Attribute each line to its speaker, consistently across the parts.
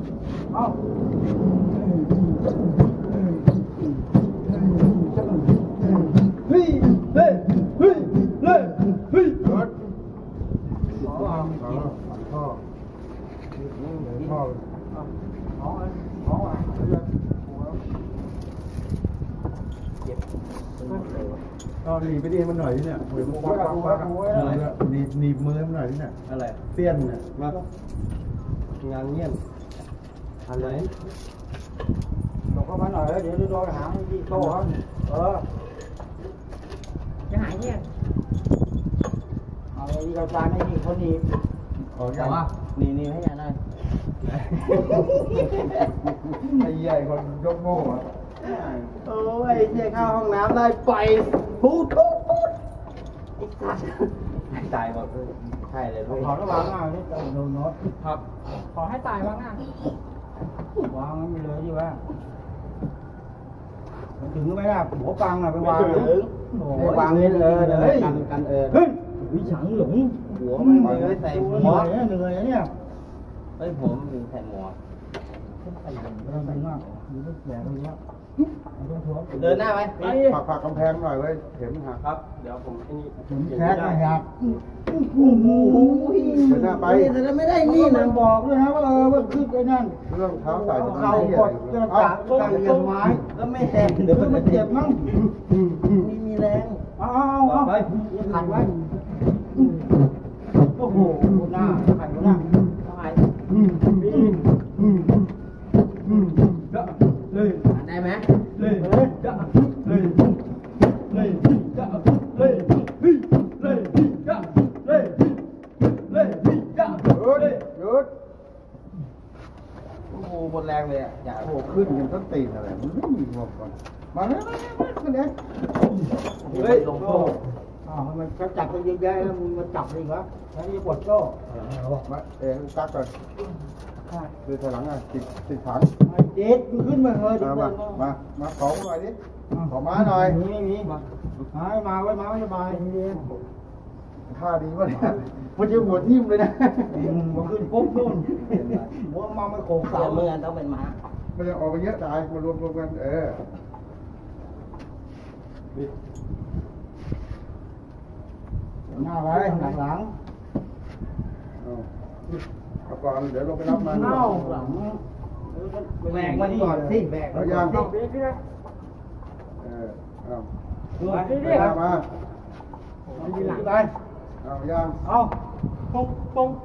Speaker 1: เอ้าเฮ้ยเฮ้ยเฮ้ยเฮ้ยเฮ้ยพ่อก็หนีไปดีมันหน่อยนี่เนี่ยหนีบมือมันหน่อยนี่เนี่ยอะไรเสี้ยนเนี่ยมางานเงี้ยอะไรหลบเข้ามาหน่อยเดี๋ยวโดนหางที่โต้
Speaker 2: จะหายเนี่ย
Speaker 1: เอาไอ้เราจานไอ้นี่เขาหนีบแต่ว่านี่ให้ยังไงไอ้ใหญ่คนยกโม่โอ้ยเจ๊เข้าห้องน้ำได้ไปพูดไอ้สัตว์ตายหมดใช่เลยขอระวังอ่ะนี่โดนโน้ตครับ
Speaker 2: ขอให้ตายบ้างนะ
Speaker 1: วางมันไปเลยดีว่าถึงไหมล่ะหัวปังอ่ะไปวางไปวางนี่กันเฮ้ยวิฉังหลงหัวไม่เลยใส่หัวเหนื่อยเนี่ย
Speaker 3: เฮ้ยผมมีใส่หมวก
Speaker 1: เดินไปมากมีลูกแหวนตรงนี้
Speaker 3: เดินหน้าไหม
Speaker 1: ผักกำแพงหน่อยเว้ยเข็มหัก
Speaker 3: ครับเดี๋ยวผมไอ้นี่
Speaker 1: แค่หักโอ้โหเดินหน้าไปแต่ไม่ได้นี่นะบอกด้วยนะว่าว่าขึ้นไอ้นั่นเรื่องเท้าใส่เข้ากดเรื่องกะกันไม้
Speaker 3: แล้วไม่แรง
Speaker 1: เดี๋ยวมันเจ็บมั้ง
Speaker 3: มีแรง
Speaker 1: เอาไปขัดไว้โอ้โหหน้าขัดหน้าเลย
Speaker 3: ได้ไหม
Speaker 1: เลยจะเลยเลยจะเลยเลยจะเลยเลยจะหยุด
Speaker 3: โอ้โหหมดแรงเลยอ่ะอย่า
Speaker 1: โอ้ขึ้นกันต้นตีนอะไรมันไม่มีงบก่อนมาเลยขึ้นเด็ก
Speaker 3: เฮ้ยลงโซ่
Speaker 1: มันจะจับกันเยอะแยะแล้วมึงมาจับเลยเหรอแล้วนี่ปวดโซ่มาตักก่อนคือถอยหลังอ่ะติดถังเจ็ดขึ้นมาเลยมาขอหน่อยดิขอม้าหน่อยมีมาไว้มาสบายท่าดีวะเนี่ยมันจะหัวทิ่มเลยนะมันขึ้นปุ๊บนู่นหัวมาไม่โขกเสา
Speaker 3: เมื่อต้องเป็นม้า
Speaker 1: มันจะออกไปเยอะตายมารวมกันหน้าไว้หลังเอาก่อนเดี๋ยวลงไปรับมัน
Speaker 3: หลังแบกมันก่อนสิแบก
Speaker 1: แล้วยังเอามา
Speaker 2: ดีหลัง
Speaker 1: ไปเอายัง
Speaker 2: เอาปง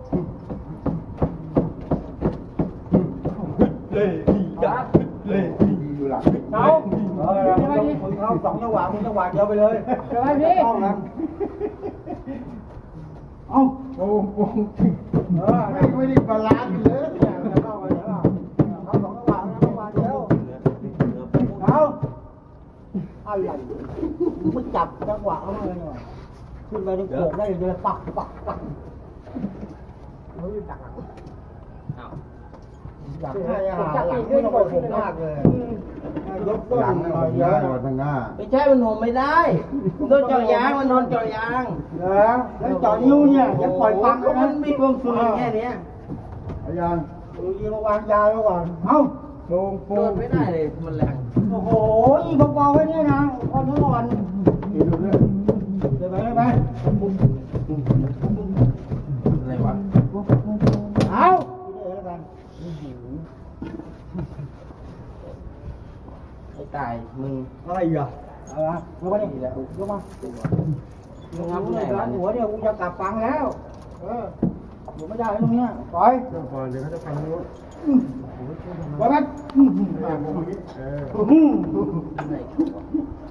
Speaker 1: เลยอยู่หลัง
Speaker 2: เอา
Speaker 1: มึงเข้าสองจังหวะมึงจังหวะเดียวไปเลย
Speaker 2: เดี๋ยวพี่
Speaker 1: ต้องนะเอาโอ้ไม่ได้บาลานซ์เลยเข้าไปแล้วเข้าสองจังหวะจังหวะเดียวเอาอะไรมึงจับจังหวะเขาเลยขึ้นไปตรงโขกได้เลยปักเขาอยู่ดักอยากให้อาหารหลังไม่ต้องไปผมมากเลยยกต้นหน่อยเยอะทางหน้า
Speaker 3: ไม่ใช่มันหนไม่ได้โดนเจาะยางมันนอนเจาะยาง
Speaker 1: แล้วเจาะนิ้วเนี่ยจะปล่อยปัง
Speaker 3: ก็มันมีความสุขแค่นี้
Speaker 1: อาจารย์ดูยีมาวางยาแล้วก่อนเอ้าลงปู
Speaker 3: นไม่ได้เลยมันแรง
Speaker 1: โอ้โหอีเบาๆไว้เนี่ยนะคนทั้งวันดูด้วยเดี๋ยวไป
Speaker 3: อะไรวะ
Speaker 1: เอา
Speaker 3: ไอ้ตายมึง
Speaker 1: อะไรอ่ะอะไรลงมาดิลงมามึงทำเลยร้านหัวเนี่ยกูจะกลับฟังแล้วอยู่ไม่ได้ตรงนี้ปล่อยเดี๋ยวเขาจะฟังรู้ไปไหม